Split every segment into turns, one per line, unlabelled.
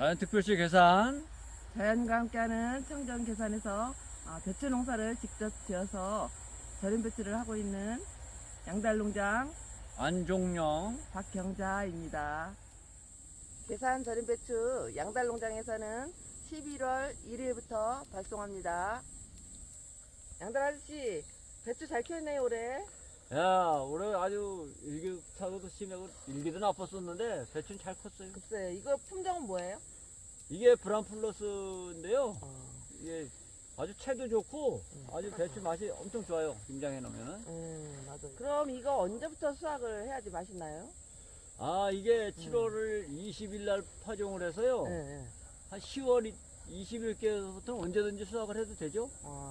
자연특별시 계산.
자연과 함께하는 청정 계산에서 배추 농사를 직접 지어서 절임 배추를 하고 있는 양달농장
안종영.
박경자입니다. 계산 절임 배추 양달농장에서는 11월 1일부터 발송합니다. 양달 아저씨, 배추 잘 키웠네요 올해.
야, 올해 아주 일기차도 심하고 일기도 나빴었는데 배추는 잘 컸어요.
글쎄, 이거 품종은 뭐예요?
이게 브람플러스인데요. 이게 아주 채도 좋고 아주 배추 맛이 엄청 좋아요. 김장해 놓으면은.
맞아요. 그럼 이거 언제부터 수확을 해야지 맛있나요?
이게 7월 20일 날 파종을 해서요.
네.
한 10월 20일께부터는 언제든지 수확을 해도 되죠.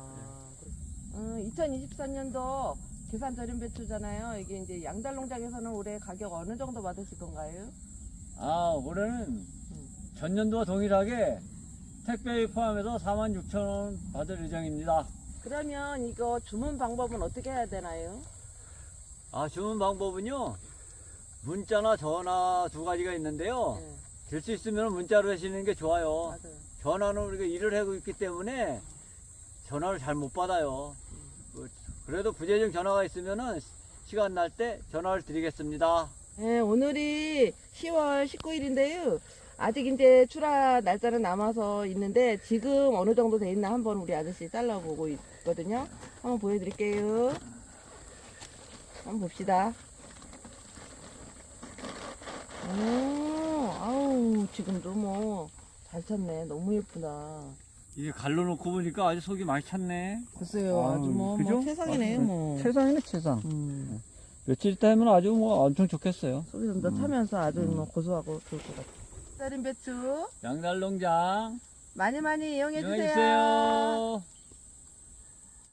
2024년도 계산 절임 배추잖아요. 이게 이제 양달농장에서는 올해 가격 어느 정도 받으실 건가요?
올해는 전년도와 동일하게 택배 포함해서 46,000원 받을 예정입니다.
그러면 이거 주문 방법은 어떻게 해야 되나요?
주문 방법은요, 문자나 전화 두 가지가 있는데요.
네,
될 수 있으면 문자로 하시는 게 좋아요.
맞아요.
전화는 우리가 일을 하고 있기 때문에 전화를 잘 못 받아요. 그래도 부재중 전화가 있으면은 시간 날 때 전화를 드리겠습니다.
네, 오늘이 10월 19일인데요. 아직 이제 출하 날짜는 남아서 있는데 지금 어느 정도 돼 있나 한번 우리 아저씨 잘라보고 있거든요. 한번 보여드릴게요. 한번 봅시다. 아우 지금도 뭐 잘 찼네. 너무 예쁘다.
이게 갈로 놓고 보니까 아주 속이 많이 찼네.
글쎄요, 아주 뭐
그죠?
세상이네요, 뭐.
최상이네, 최상. 며칠 있다 하면 아주 뭐 엄청 좋겠어요.
속이 좀 더 타면서 아주 뭐 고소하고 좋을 것 같아요. 절임 배추
양달농장
많이 이용해 주세요.
이용해주세요.